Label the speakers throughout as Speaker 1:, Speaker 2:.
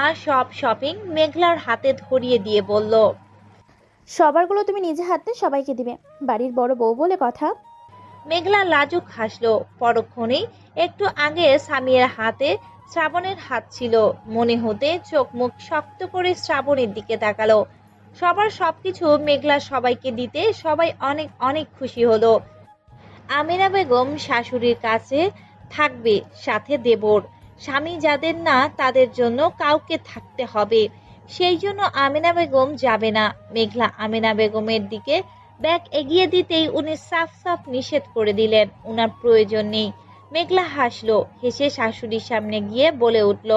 Speaker 1: সব শপিং মেঘলার হাতে ধরিয়ে দিয়ে বলল,
Speaker 2: সবারগুলো তুমি নিজে হাতে সবাইকে দিবে, বাড়ির বড় বউ বলে কথা।
Speaker 1: মেঘলা লাজুক হাসলো। পরক্ষণেই একটু আগে সামিয়ার হাতে শ্রাবণের হাত ছিল। মনে হতে চোখ মুখ শক্ত করে শ্রাবণের দিকে তাকালো। সবার সবকিছু মেঘলা সবাইকে দিতে সবাই অনেক অনেক খুশি হলো। আমিনা বেগম শাশুড়ির কাছে থাকবে, সাথে দেবর। স্বামী যাদের না তাদের জন্য কাউকে থাকতে হবে। সেই জন্য আমিনা বেগম যাবে না। মেঘলা আমিনা বেগমের দিকে ব্যাগ এগিয়ে দিতেই উনি সাফ সাফ নিষেধ করে দিলেন, উনার প্রয়োজন নেই। মেঘলা হাসলো, হেসে শাশুড়ির সামনে গিয়ে বলে উঠল,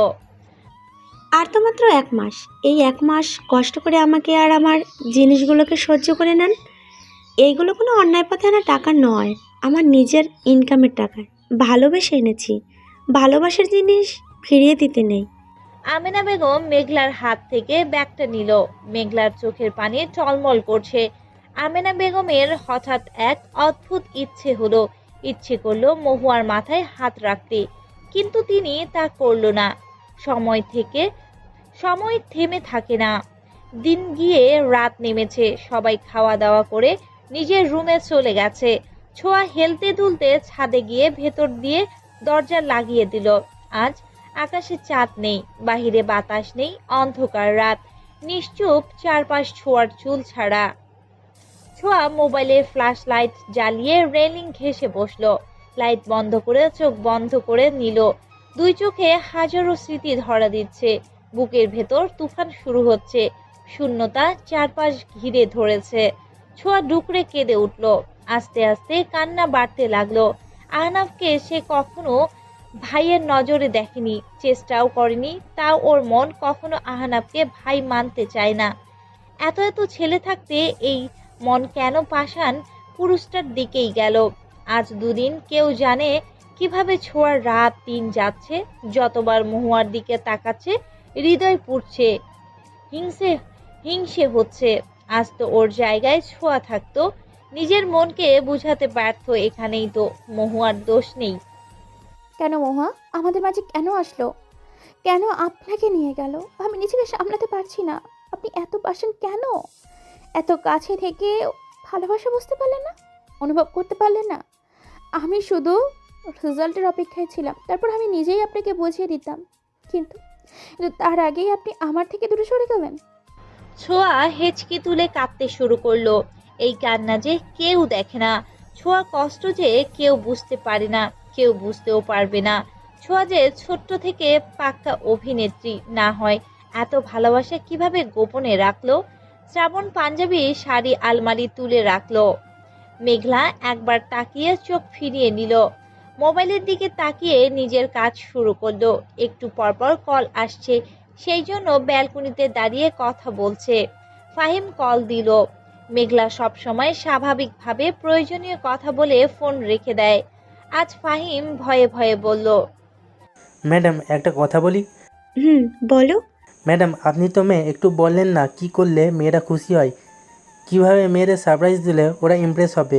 Speaker 3: আর তো মাত্র 1 মাস। এই 1 মাস কষ্ট করে আমাকে আর আমার জিনিসগুলোকে সহ্য করে নেন। এইগুলো কোনো অন্যায় পথে আনা টাকা নয়, আমার নিজের ইনকামের টাকা। ভালোবেসে এনেছি, ভালোবাসার জিনিস ফিরিয়ে দিতে নেই।
Speaker 1: আমিনা বেগম মেঘলার হাত থেকে ব্যাগটা নিল। মেঘলার চোখের পানি টলমল করছে। আমিনা বেগমের হঠাৎ এক অদ্ভুত ইচ্ছে করলো মহুয়ার মাথায় হাত রাখতে, কিন্তু তিনি তা করল না। সময় থেকে সময় থেমে থাকে না। দিন গিয়ে রাত নেমেছে, সবাই খাওয়া দাওয়া করে নিজের রুমে চলে গেছে। ছোঁয়া হেলতে দুলতে ছাদে গিয়ে ভেতর দিয়ে দরজা লাগিয়ে দিল। আজ আকাশে চাঁদ নেই, বাহিরে বাতাস নেই, অন্ধকার রাত, নিশ্চুপ চারপাশ ছোঁয়ার চুল ছাড়া। ছোঁয়া মোবাইলে ফ্ল্যাশ লাইট জ্বালিয়ে রেলিং ঘেঁষে বসলো। লাইট বন্ধ করে চোখ বন্ধ করে নিল। দুই চোখে হাজারো স্মৃতি ধরা দিচ্ছে। বুকের ভেতর তুফান শুরু হচ্ছে। শূন্যতা চারপাশ ঘিরে ধরেছে। ছোঁয়া ডুকরে কেঁদে উঠল। আস্তে আস্তে কান্না বাড়তে লাগলো। আহনাফকে সে কখনো ভাইয়ের নজরে দেখেনি, চেষ্টাও করেনি। তাও ওর মন কখনো আহনাফকে ভাই মানতে চায় না। এত এত ছেলে থাকতে এই মন কেন পাষাণ পুরুষটার দিকেই গেল। আজ দুদিন কেউ জানে কিভাবে ছোঁয়ার রাত দিন যাচ্ছে। যতবার মহুয়ার দিকে তাকাচ্ছে হৃদয় পুড়ছে, হিংসে হিংসে হচ্ছে। আজ তো ওর জায়গায় ছোঁয়া থাকতো, নিজের মনকে বুঝাতে ব্যর্থ। এখানেই তো মহুয়ার দোষ নেই।
Speaker 2: কেন মহুয়া আমাদের মাঝে কেন আসলো? কেন আপনাকে নিয়ে গেল? আমি নিজেকে সামলাতে পারছি না। আপনি এত পারছেন কেন? এত কাছে থেকে ভালোবাসা বুঝতে পারলেন না, অনুভব করতে পারলেন না? আমি শুধু রেজাল্টের অপেক্ষায় ছিলাম, তারপর আমি নিজেই আপনাকে বুঝিয়ে দিতাম। কিন্তু কিন্তু তার আগেই আপনি আমার থেকে দূরে সরে গেলেন।
Speaker 1: ছোঁয়া হেঁচকি তুলে কাঁদতে শুরু করলো। এই কান্না যে কেউ দেখে না। ছোঁয়া কষ্ট যে কেউ বুঝতে পারে না, কেউ বুঝতেও পারবে না। ছোঁয়া যে ছোট্ট থেকে পাক্কা অভিনেত্রী না হয় এত ভালোবাসা কিভাবে গোপনে রাখলো? শ্রাবণ পাঞ্জাবি শাড়ি আলমারি তুলে রাখলো। মেঘলা একবার তাকিয়ে চোখ ফিরিয়ে নিল। মোবাইলের দিকে তাকিয়ে নিজের কাজ শুরু করলো। একটু পরপর কল আসছে, সেই জন্য ব্যালকনিতে দাঁড়িয়ে কথা বলছে। ফাহিম কল দিল। মেঘলা সব সময় স্বাভাবিকভাবে প্রয়োজনীয় কথা বলে ফোন রেখে দেয়। আজ ফাহিম ভয়ে ভয়ে বলল,
Speaker 4: ম্যাডাম একটা কথা বলি।
Speaker 3: বলো।
Speaker 4: ম্যাডাম আপনি তো মেয়ে, একটু বললেন না কি করলে মেয়েরা খুশি হয়, কিভাবে মেয়েদের সারপ্রাইজ দিলে ওরা ইমপ্রেস হবে?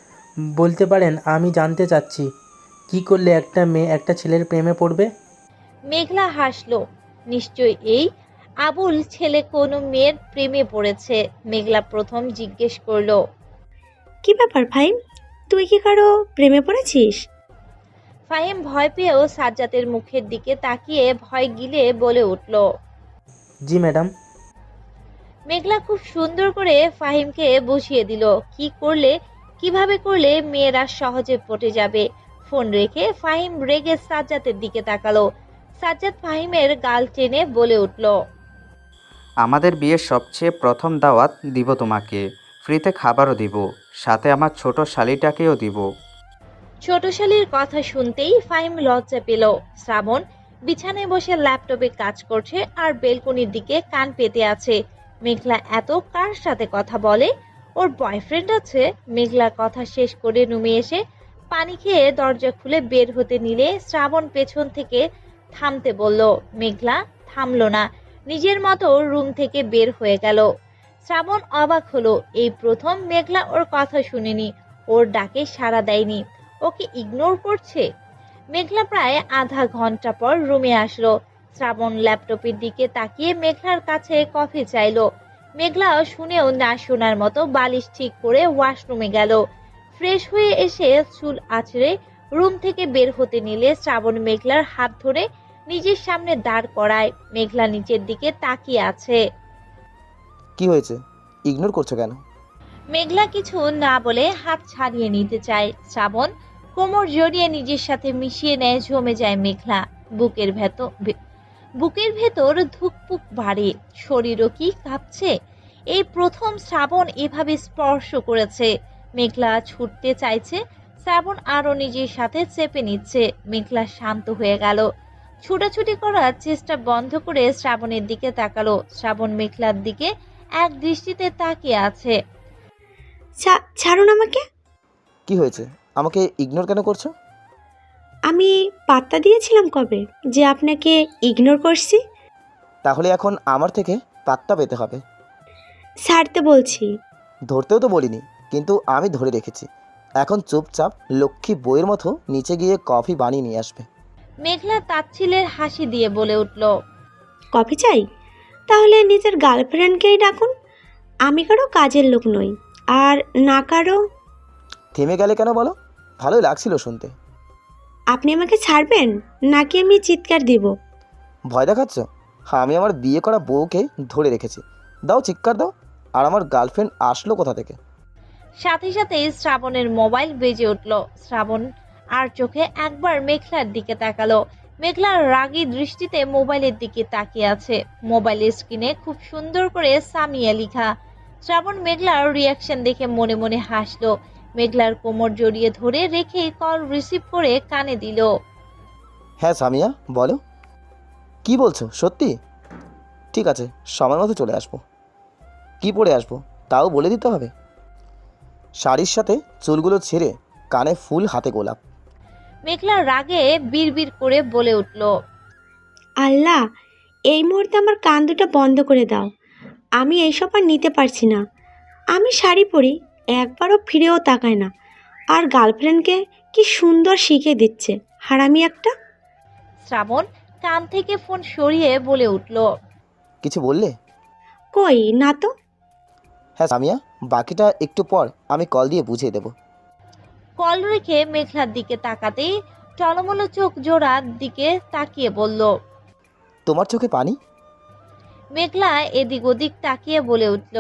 Speaker 4: বলতে পারেন, আমি জানতে চাচ্ছি কি করলে একটা মেয়ে একটা ছেলের প্রেমে পড়বে।
Speaker 1: মেঘলা হাসলো। নিশ্চয় এই আবুল ছেলে কোনো মেয়ের প্রেমে পড়েছে। মেঘলা প্রথম জিজ্ঞেস করলো,
Speaker 3: কি ব্যাপার ভাই, তুই কি কারো প্রেমে পড়েছিস?
Speaker 1: ফাহিম ভয় পেয়েও সাজ্জাদের মুখের দিকে তাকিয়ে ভয় গিলে বলে উঠল,
Speaker 4: জি ম্যাডাম।
Speaker 1: মেঘলা খুব সুন্দর করে ফাহিমকে বুঝিয়ে দিল কি করলে কিভাবে করলে মেয়েরা সহজে পটে যাবে। ফোন রেখে ফাহিম রেগে সাজ্জাদের দিকে তাকালো। সাজ্জাদ ফাহিমের গাল টেনে বলে উঠল,
Speaker 5: আমাদের বিয়ের সবচেয়ে প্রথম দাওয়াত দিব তোমাকে, ফ্রিতে খাবারও দিব, সাথে আমার ছোট শালিটাকেও দিব।
Speaker 1: ছোট শালীর কথা শুনতেই ফাহিম লজ্জা পেল। শ্রাবণ বিছানায় বসে ল্যাপটপে কাজ করছে আর বেলকনির দিকে কান পেতে আছে। মেঘলা এত কার সাথে কথা বলে? ওর বয়ফ্রেন্ড আছে? মেঘলা কথা শেষ করে রুমে এসে পানি খেয়ে দরজা খুলে বের হতে নিলে শ্রাবণ পেছন থেকে থামতে বলল। মেঘলা থামলো না, নিজের মতো রুম থেকে বের হয়ে গেল। শ্রাবণ অবাক হলো, এই প্রথম মেঘলা ওর কথা শুনেনি, ওর ডাকে সাড়া দেয়নি, ওকে ইগনোর করছে। মেঘলা প্রায় আধা ঘন্টা পর রুমে আসলো। শ্রাবণ ল্যাপটপের দিকে তাকিয়ে মেঘলার কাছে কফি চাইলো। মেঘলা শুনেও না শোনার মতো বালিশ ঠিক করে ওয়াশরুমে গেল। ফ্রেশ হয়ে এসে চুল আঁচড়ে রুম থেকে বের হতে নিলে শ্রাবণ মেঘলার হাত ধরে নিজের সামনে দাঁড় করায়। মেঘলা নিচের দিকে তাকিয়ে আছে।
Speaker 6: কি হয়েছে, ইগনোর করছো কেন?
Speaker 1: মেঘলা কিছু না বলে হাত ছাড়িয়ে নিতে চায়। শ্রাবণ কোমর জড়িয়ে নিজের সাথে মিশিয়ে নেয়। জমে যায় মেঘলা। বুকের ভেতর ধুকপুক বাড়ে, শরীরও কি কাঁপছে। এই প্রথম শ্রাবণ এভাবে স্পর্শ করেছে। মেঘলা ছুটতে চাইছে, শ্রাবণ আরো নিজের সাথে চেপে নিচ্ছে। মেঘলা শান্ত হয়ে গেল। ছুটাছুটি করার চেষ্টা বন্ধ করে শ্রাবণের দিকে তাকালো। শ্রাবণ মেঘলার দিকে এক দৃষ্টিতে তাকিয়ে আছে।
Speaker 3: ছাড়ুন আমাকে।
Speaker 6: কি হয়েছে, আমাকে ইগনোর কেন করছো?
Speaker 3: আমি পাত্তা দিয়েছিলাম কবে যে আপনাকে ইগনোর করছি?
Speaker 6: তাহলে এখন আমার থেকে পাত্তা পেতে হবে।
Speaker 3: ছাড়তে বলছি।
Speaker 6: ধরতেও তো বলিনি, কিন্তু আমি ধরে রেখেছি। এখন চুপচাপ লক্ষ্মী বইয়ের মতো নিচে গিয়ে কফি বানিয়ে নিয়ে আসবে।
Speaker 1: মেঘলা তাচ্ছিলের হাসি দিয়ে বলে উঠল।
Speaker 3: কফি চাই? তাহলে নিজের গার্লফ্রেন্ডকেই ডাকুন। আমি কারো কাজের লোক নই, আর না কারো।
Speaker 6: থেমে গেলে কেন বলো? ভালোই লাগছিল শুনতে।
Speaker 3: আপনি আমাকে ছাড়বেন নাকি আমি চিৎকার দিব?
Speaker 6: ভয় দেখাচ্ছ? হ্যাঁ, আমি আমার বিয়ে করা বউকে ধরে রেখেছি। দাও, চিৎকার দাও। আর আমার গার্লফ্রেন্ড আসলো কোথা থেকে?
Speaker 1: সাথে সাথে শ্রাবণের মোবাইল বেজে উঠল। শ্রাবণ আর চোখে একবার মেঘলার দিকে তাকালো। মেঘলার রাগী দৃষ্টিতে মোবাইলের দিকে তাকিয়ে আছে। মোবাইলের স্ক্রিনে খুব সুন্দর করে সামিয়া লেখা। শ্রাবণ মেঘলার রিয়াকশন দেখে মনে মনে হাসলো। মেঘলার কোমর জড়িয়ে ধরে রেখে কল রিসিভ করে কানে দিল।
Speaker 6: হ্যাঁ সামিয়া, বলো। কি বলছো, সত্যি? ঠিক আছে, সময় মতো চলে আসবো। কি পরে আসবো তাও বলে দিতে হবে। শাড়ির সাথে চুলগুলো ছেড়ে, কানে ফুল, হাতে গোলাপ।
Speaker 1: মেঘলার রাগে বিড়বিড় করে বলে উঠল।
Speaker 3: আল্লাহ, এই মুহূর্তে আমার কান দুটো বন্ধ করে দাও। আমি এইসব আর নিতে পারছি না। আমি শাড়ি পরি, একবারও ফিরেও তাকায় না। আর গার্লফ্রেন্ডকে কি সুন্দর শিখে দিচ্ছে, হারামি একটা।
Speaker 1: শ্রাবণ কান থেকে ফোন সরিয়ে বলে উঠল।
Speaker 6: কিছু বললে?
Speaker 3: কই না তো।
Speaker 6: হ্যাঁ সামিয়া, বাকিটা একটু পর আমি কল দিয়ে বুঝিয়ে দেবো।
Speaker 1: কল রেখে মেঘলার দিকে তাকাতেই টলমল চোখ জোড়ার দিকে তাকিয়ে বলল।
Speaker 6: তোমার চোখে পানি?
Speaker 1: মেঘলা এদিক ওদিক তাকিয়ে বলে উঠল।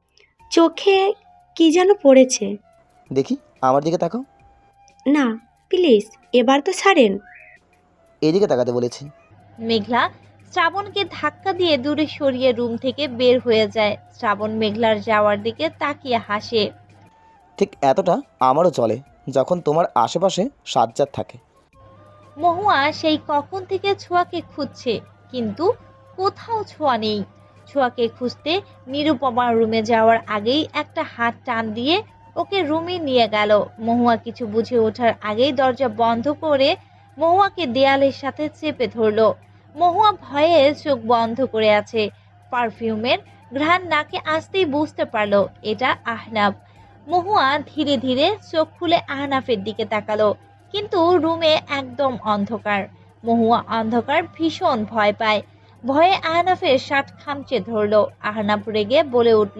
Speaker 3: চোখে কি যেন পড়েছে।
Speaker 6: দেখি, আমার দিকে তাকাও।
Speaker 3: না প্লিজ, এবার তো ছাড়েন।
Speaker 6: এইদিকে তাকাতে বলেছি।
Speaker 1: মেঘলা শ্রাবণকে ধাক্কা দিয়ে দূরে সরিয়ে রুম থেকে বের হয়ে যায়। শ্রাবণ মেঘলার যাওয়ার দিকে তাকিয়ে হাসে।
Speaker 6: ঠিক এতটা আমারও চলে যখন তোমার আশেপাশে সাজ্জাদ থাকে।
Speaker 1: মহুয়া সেই কখন থেকে ছোঁয়াকে খুঁজছে, কিন্তু কোথাও ছোঁয়া নেই। ছোঁয়াকে খুঁজতে নিরুপমার রুমে যাওয়ার আগেই একটা হাত টান দিয়ে ওকে রুমে নিয়ে গেল। মহুয়া কিছু বুঝে ওঠার আগেই দরজা বন্ধ করে মহুয়াকে দেয়ালের সাথে চেপে ধরলো। মহুয়া ভয়ে চোখ বন্ধ করে আছে। পারফিউমের ঘ্রাণ নাকে আসতেই বুঝতে পারলো এটা আহনাফ। মহুয়া ধীরে ধীরে চোখ খুলে আহনাফের দিকে তাকালো, কিন্তু রুমে একদম অন্ধকার। মহুয়া অন্ধকার ভীষণ ভয় পায়। ভয়ে আহনাফের শার্ট খামচে ধরলো। আহনাফ রেগে বলে উঠল।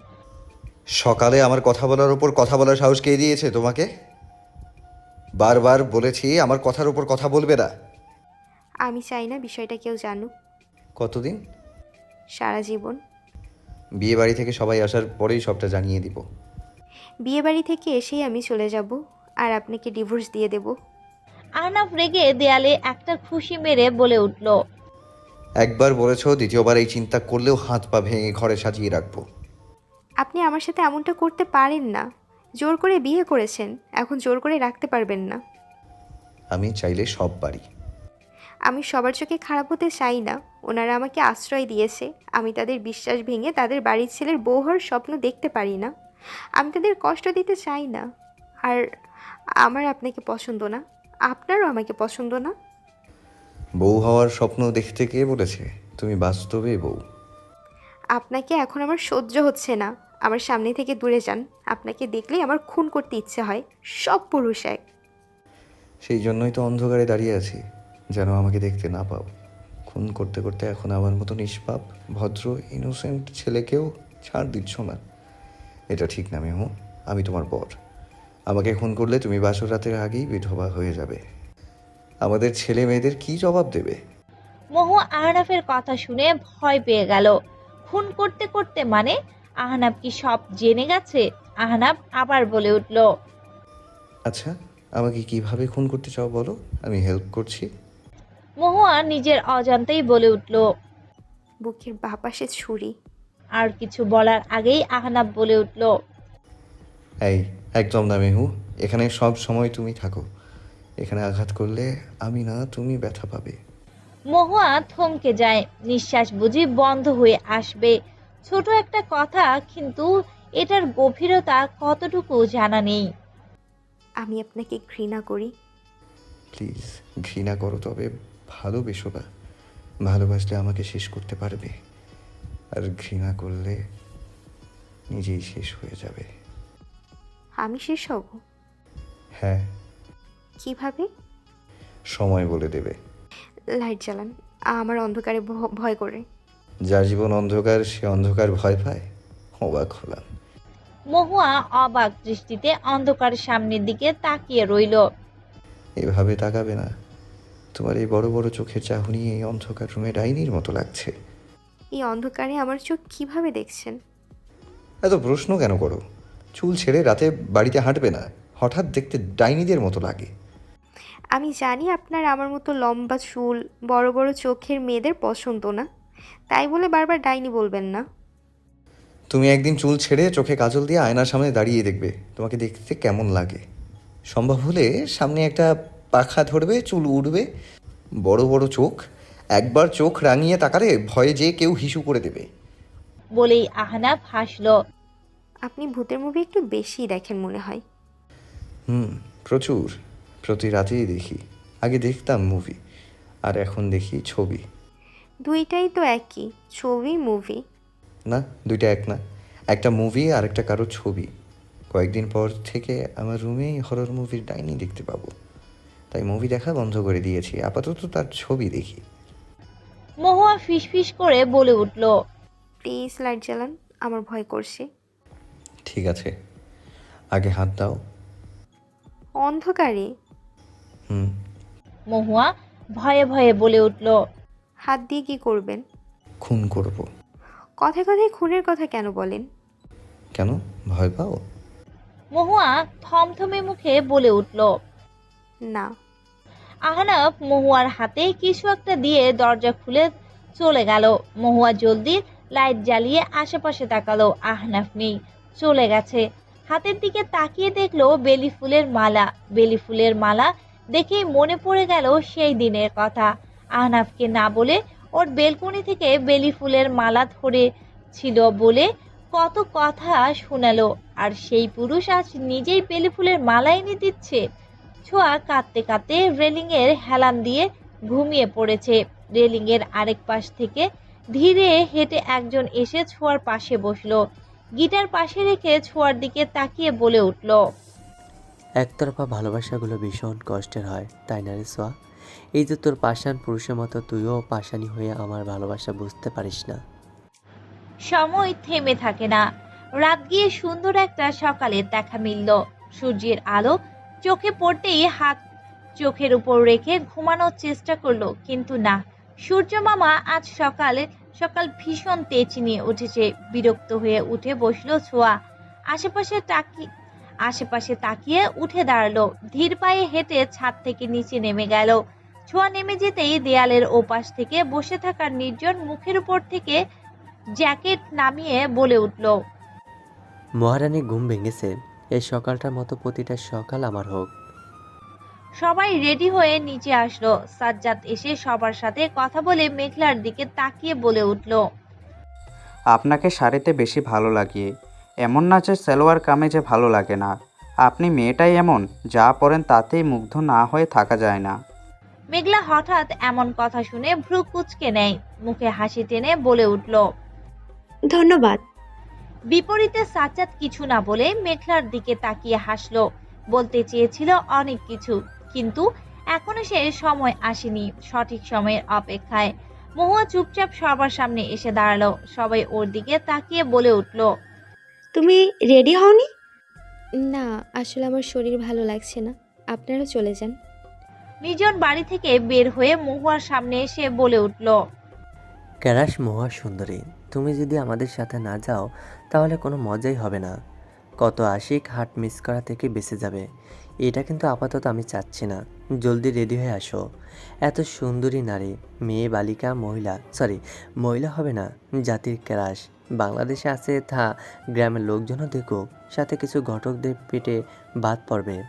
Speaker 7: সকালে আমার কথা বলার উপর কথা বলার সাহস কে দিয়েছে তোমাকে? বারবার বলেছি আমার কথার উপর কথা বলবে না।
Speaker 8: আমি চাই না বিষয়টা কেউ জানুক।
Speaker 7: কতদিন?
Speaker 8: সারা জীবন।
Speaker 7: বিয়ে বাড়ি থেকে সবাই আসার পরেই সবটা জানিয়ে দিব।
Speaker 8: বিয়ে বাড়ি থেকে এসেই আমি চলে যাব আর আপনাকে ডিভোর্স দিয়ে দেব।
Speaker 1: আহনাফ রেগে দেয়ালে একটা খুশি মেরে বলে উঠল।
Speaker 7: একবার বলেছো, দ্বিতীয়বার এই চিন্তা করলেও হাত পা ভেঙে ঘরে সাজিয়ে রাখবো।
Speaker 8: আপনি আমার সাথে এমনটা করতে পারেন না। জোর করে বিয়ে করেছেন, এখন জোর করে রাখতে পারবেন না।
Speaker 7: আমি চাইলে সব পারি।
Speaker 8: আমি সবার চোখে খারাপ হতে চাই না। ওনারা আমাকে আশ্রয় দিয়েছে, আমি তাদের বিশ্বাস ভেঙে তাদের বাড়ির ছেলের বউ হওয়ার স্বপ্ন দেখতে পারি না। আমি তাদের কষ্ট দিতে চাই না। আর আমার আপনাকে পছন্দ না, আপনারও আমাকে পছন্দ না।
Speaker 7: বউ হওয়ার স্বপ্ন দেখতে কে বলেছে? তুমি বাস্তবে বউ।
Speaker 8: আপনাকে এখন আমার সহ্য হচ্ছে না। আমার সামনে থেকে দূরে যান। আপনাকে দেখলেই আমার খুন করতে ইচ্ছে হয়। সব পুরুষ এক।
Speaker 7: সেই জন্যই তো অন্ধকারে দাঁড়িয়ে আছি, যেন আমাকে দেখতে না পাও। খুন করতে করতে এখন আমার মতো নিষ্পাপ ভদ্র ইনোসেন্ট ছেলেকেও ছাড় দিচ্ছ না। এটা ঠিক না মেহু, আমি তোমার বর। আমাকে খুন করলে তুমি বাসর রাতের আগেই বিধবা হয়ে যাবে। আমাদের ছেলে মেয়েদের কি জবাব দেবে?
Speaker 1: মহুয়া আহনাফের কথা শুনে ভয় পেয়ে গেল। খুন করতে করতে মানে? আহনাফ কি সব জেনে গেছে? আহনাফ আবার বলে উঠল,
Speaker 7: আচ্ছা, আমাকে কিভাবে খুন করতে চাও বলো, আমি হেল্প করছি।
Speaker 1: মহুয়া নিজের অজান্তেই বলে উঠল।
Speaker 8: বুকের বাঁ পাশে ছুরি।
Speaker 1: আর কিছু বলার আগেই আহনাফ বলে উঠল,
Speaker 7: এই একদম না মেহু, এখানে সব সময় তুমি থাকো। এখানে আঘাত করলে আমি না তুমি ব্যথা পাবে।
Speaker 1: মহুয়া থমকে যায়, নিঃশ্বাস বুঝি বন্ধ হয়ে আসবে। ছোট একটা কথা, কিন্তু এটার গভীরতা কতটুকু জানা নেই।
Speaker 8: আমি আপনাকে ঘৃণা করি।
Speaker 7: প্লিজ ঘৃণা করো, তবে ভালোবেসো না। ভালোবাসলে আমাকে শেষ করতে পারবে, আর ঘৃণা করলে নিজেই শেষ হয়ে যাবে।
Speaker 8: আমি শেষ হব?
Speaker 7: হ্যাঁ,
Speaker 8: কিভাবে?
Speaker 7: সময় বলে দেবে।
Speaker 8: লাইট জ্বালান, আমার অন্ধকারে ভয় করে।
Speaker 7: যার জীবন অন্ধকার সে অন্ধকার ভয় পায়? অবাক হলাম।
Speaker 1: মহুয়া অবাক দৃষ্টিতে অন্ধকার সামনের দিকে তাকিয়ে রইল।
Speaker 7: এভাবে তাকাবে না, তোমার এই বড় বড় চোখের চাহনি এই অন্ধকার রুমে ডাইনির মতো লাগছে।
Speaker 8: এই অন্ধকারে আমার চোখ কিভাবে দেখছেন?
Speaker 7: এত প্রশ্ন কেন করো? চুল ছেড়ে রাতে বাড়িতে হাঁটবে না, হঠাৎ দেখতে ডাইনিদের মতো লাগে।
Speaker 8: আমি জানি আপনার আমার মতো লম্বা চুল, বড় বড় চোখের মেয়েদের পছন্দ না, তাই বলে বারবার ডাইনি বলবেন না।
Speaker 7: তুমি একদিন চুল ছেড়ে চোখে কাজল দিয়ে আয়নার সামনে দাঁড়িয়ে দেখবে তোমাকে দেখতে কেমন লাগে। সম্ভব হলে সামনে একটা পাখা ধরবে, চুল উড়বে, বড় বড় চোখ, একবার চোখ রাঙিয়ে তাকালে ভয়ে যে কেউ হিসু করে দেবে।
Speaker 1: বলেই আহনাফ হাসল।
Speaker 8: আপনি ভূতের মুভি একটু বেশি দেখেন মনে হয়।
Speaker 7: প্রচুর, প্রতি রাতেই দেখি। আগে দেখতাম মুভি, আর এখন দেখি ছবি।
Speaker 8: দুইটাই তো একই, ছবি মুভি।
Speaker 7: না, দুইটা এক না। একটা মুভি আর একটা কারো ছবি। কয়েকদিন পর থেকে আমার রুমেই হরর মুভির ডাইনি দেখতে পাবো, তাই মুভি দেখা বন্ধ করে দিয়েছি। আপাতত তার ছবি দেখি।
Speaker 1: মহুয়া ফিসফিস করে বলে উঠল,
Speaker 8: প্লিজ লাইট জ্বালান, আমার ভয় করছে।
Speaker 7: ঠিক আছে, আগে হাত দাও।
Speaker 8: অন্ধকারে?
Speaker 7: হুম।
Speaker 1: মহুয়া ভয়ে ভয়ে বলে উঠল,
Speaker 8: হাত দিয়ে কি করবেন?
Speaker 7: খুন করব।
Speaker 8: কথায় কথায় খুনের কথা কেন বলেন?
Speaker 7: কেন, ভয় পাও?
Speaker 1: মহুয়া থমথমে মুখে বলে উঠল।
Speaker 8: না।
Speaker 1: আহনাফ মহুয়ার হাতে কিছু একটা দিয়ে দরজা খুলে চলে গেল। মহুয়া জলদি লাইট জ্বালিয়ে আশেপাশে তাকালো, আহনাফ নেই, চলে গেছে। হাতের দিকে তাকিয়ে দেখলো বেলি ফুলের মালা। বেলি ফুলের মালা দেখেই মনে পড়ে গেল সেই দিনের কথা। আহনাফকে না বলে ওর বেলকনি থেকে বেলি ফুলের মালা ধরেছিল বলে কত কথা শোনালো, আর সেই পুরুষ আজ নিজেই বেলি ফুলের মালা এনে দিচ্ছে। ছোঁয়া কাঁদতে কাঁদতে রেলিং এর হেলান দিয়ে ঘুমিয়ে পড়েছে। রেলিং এর আরেক পাশ থেকে ধীরে হেঁটে একজন এসে ছোঁয়ার পাশে বসলো। গিটার পাশে রেখে ছোঁয়ার দিকে তাকিয়ে বলে উঠল,
Speaker 9: একতরফা ভালোবাসাগুলো ভীষণ কষ্টের হয়, তাই না রে সোয়া? এই যে তোর পাষাণ পুরুষের মতো তুইও পাষাণী হয়ে আমার ভালোবাসা বুঝতে পারিস না।
Speaker 1: সময় থেমে থাকে না। রাত গিয়ে সুন্দর একটা সকালের দেখা মিলল। সূর্যের আলো চোখে পড়তেই হাত চোখের উপর রেখে ঘুমানোর চেষ্টা করলো, কিন্তু না, সূর্য মামা আজ সকাল ভীষণ তেজ নিয়ে উঠেছে। বিরক্ত হয়ে উঠে বসলো ছোঁয়া। আশেপাশে তাকিয়ে উঠে দাঁড়ালো। ধীর পায়ে হেঁটে ছাদ থেকে নিচে নেমে গেল। ছোঁয়া নেমে যেতেই দেয়ালের ওপাশ থেকে বসে থাকার নির্জন মুখের উপর থেকে জ্যাকেট নামিয়ে বলে উঠল,
Speaker 9: মহারানী ঘুম ভেঙেছে, এই সকালটার মতো প্রতিটা সকাল আমার হোক।
Speaker 1: সবাই রেডি হয়ে নিচে আসলো। সাজ্জাদ এসে সবার সাথে কথা বলে মেঘলার দিকে তাকিয়ে বলে উঠল,
Speaker 5: আপনাকে শাড়িতে বেশি ভালো লাগে, এমন না যে সালোয়ার কামিজে ভালো লাগে না। আপনি মেয়েটাই এমন, যা পরেন তাতেই মুগ্ধ না হয়ে থাকা যায় না।
Speaker 1: মেঘলা হঠাৎ এমন কথা শুনে ভ্রু কুঁচকে নেয়, মুখে হাসি টেনে বলে উঠল।
Speaker 3: ধন্যবাদ।
Speaker 1: বিপরীতে সাজ্জাদ কিছু না বলে মেঘলার দিকে তাকিয়ে হাসলো। বলতে চেয়েছিল অনেক কিছু, কিন্তু এখনো সে সময় আসেনি, সঠিক সময়ের অপেক্ষায়। মহুয়া চুপচাপ সবার সামনে এসে দাঁড়ালো। সবাই ওর দিকে তাকিয়ে বলে উঠল,
Speaker 3: তুমি রেডি হওনি?
Speaker 8: না, আসলে আমার শরীর ভালো লাগছে না, আপনারা চলে যান।
Speaker 1: নিজন বাড়ি থেকে বের হয়ে মহুয়ার সামনে এসে বলে উঠল,
Speaker 9: ক্যারাশ মহা সুন্দরী, তুমি যদি আমাদের সাথে না যাও তাহলে কোনো মজাই হবে না। কত আশিক হাট মিস করা থেকে বেঁচে যাবে। এটা কিন্তু আপাতত আমি চাচ্ছি না। জলদি রেডি হয়ে আসো। এত সুন্দরী নারী, মেয়ে, বালিকা, মহিলা হবে না, জাতির ক্যারাশ বাংলাদেশে আছে, তা গ্রামের লোকজনও দেখুক, সাথে কিছু ঘটকদের পেটে বাদ পড়বে।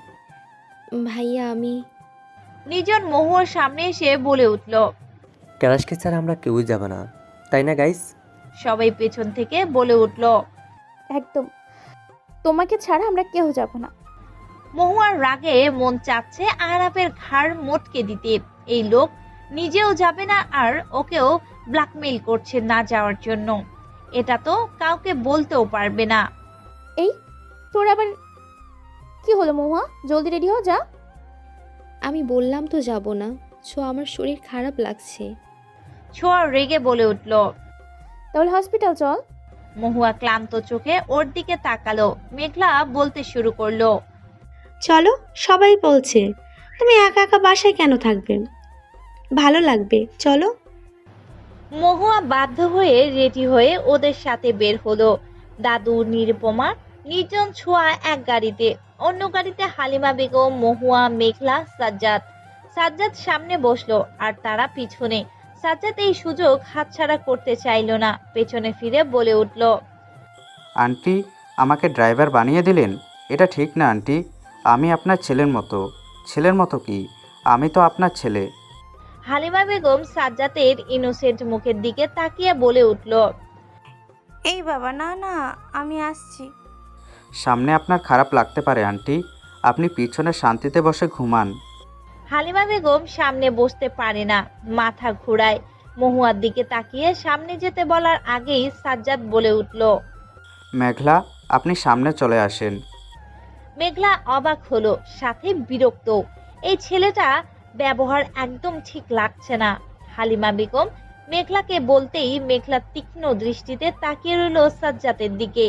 Speaker 8: ভাইয়া আমি
Speaker 1: নিজন মহুয়ার সামনে এসে বলে উঠল।
Speaker 9: ক্যারাশকে ছাড়া আমরা কেউই যাব না, তাই না গাইস?
Speaker 1: সবাই পেছন থেকে বলে উঠল।
Speaker 2: একদম, তোমাকে ছাড়া আমরা কেউ যাব না।
Speaker 1: মহুয়ার রাগে মন চাচ্ছে আরাফের ঘাড় মটকে দিতে। এই লোক নিজেও যাবে না আর ওকেও ব্ল্যাকমেইল করছে না যাওয়ার জন্য। এটা তো কাউকে বলতেও পারবে না।
Speaker 2: এই তোর আবার কি হলো মহুয়া? জলদি রেডি হও, যা।
Speaker 8: আমি বললাম তো যাব না, আমার শরীর খারাপ লাগছে।
Speaker 1: ছোঁয়া রেগে বলে উঠল।
Speaker 2: তাহলে হসপিটাল চল।
Speaker 1: মহুয়া ক্লান্ত চোখে ওর দিকে তাকালো। মেঘলা বলতে শুরু করলো,
Speaker 3: চলো, সবাই বলছে। তুমি একা একা বাসায় কেন থাকবে? ভালো লাগবে, চলো।
Speaker 1: মহুয়া বাধ্য হয়ে রেডি হয়ে ওদের সাথে বের হলো। দাদু, নিরুপমা, নির্জন, ছোঁয়া এক গাড়িতে, অন্য গাড়িতে হালিমা বেগম, মহুয়া, মেঘলা, সাজ্জাদ। সাজ্জাদ সামনে বসলো আর তারা পিছনে। সাজ্জাদ এই সুযোগ হাতছাড়া করতে চাইলো না। পেছনে ফিরে বলে উঠল,
Speaker 5: আন্টি, আমাকে ড্রাইভার বানিয়ে দিলেন। এটা ঠিক না আন্টি। আমি আপনার ছেলের মতো। ছেলের মতো কি? আমি তো আপনার ছেলে।
Speaker 1: হালিমা বেগম সাজ্জাদের ইনোসেন্ট মুখের দিকে তাকিয়ে বলে উঠল,
Speaker 10: এই বাবা, না না, আমি আসছি।
Speaker 5: সামনে আপনার খারাপ লাগতে পারে আন্টি, আপনি পিছনে শান্তিতে বসে ঘুমান।
Speaker 1: হালিমা বেগম সামনে বসতে পারে না, মাথা ঘোরায়। মহুয়ার দিকে তাকিয়ে সামনে যেতে বলার আগেই সাজ্জাদ বলে উঠল,
Speaker 5: মেঘলা, আপনি সামনে চলে আসেন।
Speaker 1: মেঘলা অবাক হলো, সাথে বিরক্ত। এই ছেলেটা ব্যবহার একদম ঠিক লাগছে না। হালিমা বেগম মেঘলাকে বলতেই মেঘলা তীক্ষ্ণ দৃষ্টিতে তাকিয়ে রইল সাজ্জাদের দিকে।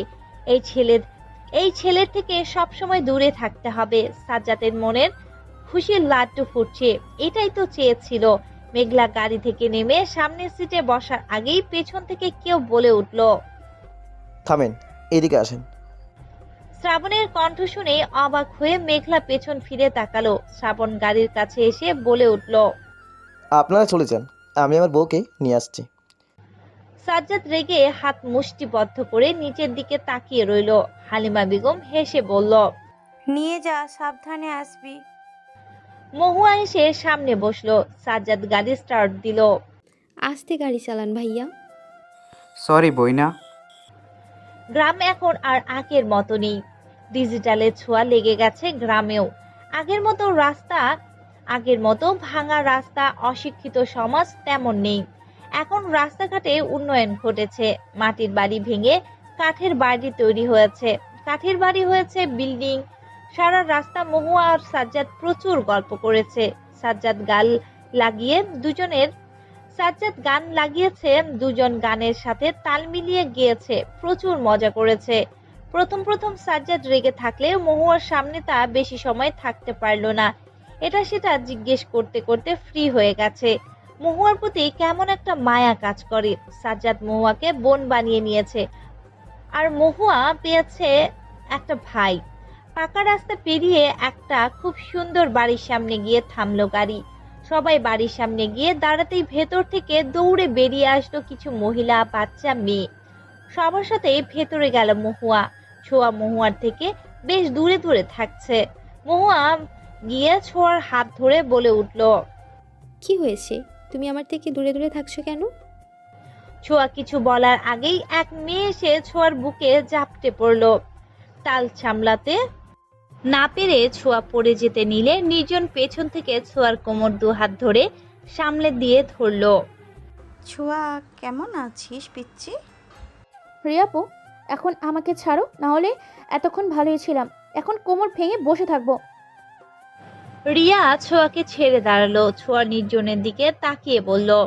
Speaker 1: এই ছেলের থেকে সবসময় দূরে থাকতে হবে। সাজ্জাদের মনের খুশির লাড্ডু ফুটছে, এটাই তো চেয়েছিল। মেঘলা গাড়ি থেকে নেমে সামনের সিটে বসার আগেই পেছন থেকে কেউ বলে উঠল,
Speaker 6: থামেন, এদিকে আসেন।
Speaker 1: শ্রাবণের কণ্ঠ শুনে অবাক হয়ে মেঘলা পেছন ফিরে তাকালো। শ্রাবণ গাড়ির কাছে এসে বলে উঠল,
Speaker 6: আপনারা চলে যান, আমি আমার বউকে নিয়ে আসছি।
Speaker 1: সাজ্জাদ রেগে হাত মুষ্টিবদ্ধ করে নিচের দিকে তাকিয়ে রইল। হালিমা বেগম হেসে বলল,
Speaker 10: নিয়ে যা, সাবধানে আসবি।
Speaker 1: মহুয়া এসে সামনে বসলো। সাজ্জাদ গাড়ি স্টার্ট দিল।
Speaker 8: আস্তে গাড়ি চালান ভাইয়া।
Speaker 5: সরি বইনা।
Speaker 1: গ্রাম এখন আর আগের মতো নেই। ডিজিটালের ছোঁয়া লেগে গেছে গ্রামেও। আগের মতো ভাঙা রাস্তা, অশিক্ষিত সমাজ তেমন নেই। এখন রাস্তাঘাটে উন্নয়ন ঘটেছে। মাটির বাড়ি ভেঙে কাঠের বাড়ি তৈরি হয়েছে, কাঠের বাড়ি হয়েছে বিল্ডিং। সারা রাস্তা মহুয়া আর সাজ্জাদ প্রচুর গল্প করেছে। সাজ্জাদ গান লাগিয়েছে, দুজন গানের সাথে তাল মিলিয়ে গিয়েছে, প্রচুর মজা করেছে। প্রথম সাজ্জাদ রেগে থাকলেও মহুয়ার সামনে তা বেশি সময় থাকতে পারলো না। এটা সেটা জিজ্ঞেস করতে করতে ফ্রি হয়ে গেছে। মহুয়ার প্রতি কেমন একটা মায়া কাজ করে। সাজ্জাদ মহুয়াকে বোন বানিয়ে নিয়েছে, আর মহুয়া পেয়েছে একটা ভাই। পাকা রাস্তা পেরিয়ে একটা খুব সুন্দর বাড়ির সামনে গিয়ে থামলো গাড়ি। সবাই বাড়ির সামনে গিয়ে দাঁড়াতেই ভেতর থেকে দৌড়ে বেরিয়ে আসলো কিছু মহিলা, বাচ্চা, মেয়ে। সবার সাথে ভেতরে গেল মহুয়া। ছোঁয়া মহুয়ার থেকে বেশ দূরে দূরে থাকছে। মহুয়া গিয়ে ছোঁয়ার হাত ধরে বলে উঠল,
Speaker 8: কি হয়েছে? তুমি আমার থেকে দূরে দূরে থাকছো কেন?
Speaker 1: ছোঁয়া কিছু বলার আগেই এক মেয়ে এসে ছোঁয়ার বুকে ঝাপটে পড়লো। তাল সামলাতে না পেরে ছোঁয়া পড়ে যেতে নিলে নির্জন পেছন থেকে ছোঁয়ার কোমর দু হাত ধরে সামলে দিয়ে ধরলো।
Speaker 10: ছোঁয়া, কেমন আছিস পিচ্ছি?
Speaker 2: রিয়াপু, এখন আমাকে ছাড়ো, না হলে এতক্ষণ ভালোই ছিলাম, এখন কোমর ভেঙে বসে থাকবো।
Speaker 1: রিয়া ছোঁয়াকে ছেড়ে দাঁড়ালো। ছোঁয়া নির্জনের দিকে তাকিয়ে বলল,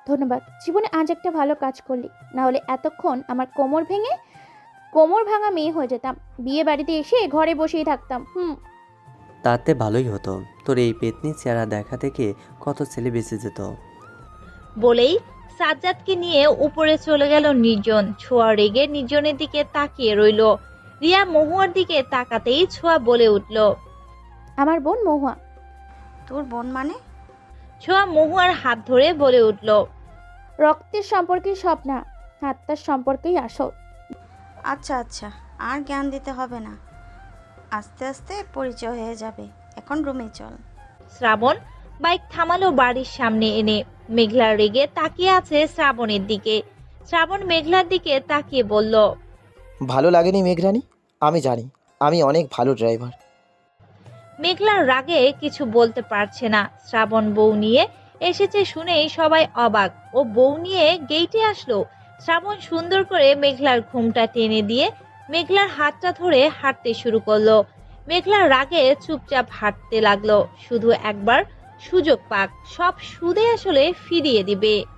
Speaker 2: ধন্যবাদ। জীবনে আজ একটা ভালো কাজ করলি, না হলে এতক্ষণ আমার কোমর ভাঙা মেয়ে হয়ে যেতাম। বিয়ে বাড়িতে এসে ঘরে বসেই থাকতাম।
Speaker 9: তাতে ভালোই হতো, তোর এই পেতনি চেহারা দেখা থেকে কত ছেলে বেঁচে যেত।
Speaker 1: বলেই সাজ্জাদকে নিয়ে উপরে চলে গেল নির্জন। ছোঁয়া রেগে নির্জনের দিকে তাকিয়ে রইল। রিয়া মহুয়ার দিকে তাকাতেই ছোঁয়া বলে উঠল,
Speaker 2: আমার বোন মহুয়া।
Speaker 10: তোর বোন মানে?
Speaker 1: ছোঁয়া মহুয়ার হাত ধরে বলে উঠল,
Speaker 2: রক্তের সম্পর্কেই সব না, আত্মার সম্পর্কেই আসল।
Speaker 10: আচ্ছা আচ্ছা, আর জ্ঞান দিতে হবে না, আস্তে আস্তে পরিচয় হয়ে যাবে। এখন রুমে চল।
Speaker 1: শ্রাবণ বাইক থামালো বাড়ির সামনে এনে। মেঘলা রেগে তাকিয়ে আছে শ্রাবণের দিকে। শ্রাবণ মেঘলার দিকে তাকিয়ে বলল,
Speaker 6: ভালো লাগেনি মেঘরানি? আমি জানি, আমি অনেক ভালো ড্রাইভার।
Speaker 1: মেঘলার রাগে কিছু বলতে পারছে না। শ্রাবণ বউ নিয়ে এসেছে শুনেই সবাই অবাক। ও বউ নিয়ে গেইটে আসলো। শ্রাবণ সুন্দর করে মেঘলার ঘুমটা টেনে দিয়ে মেঘলার হাতটা ধরে হাঁটতে শুরু করলো। মেঘলার রাগে চুপচাপ হাঁটতে লাগলো। শুধু একবার সুযোগ পাক, সব সুদে আসলে ফিরিয়ে দিবে।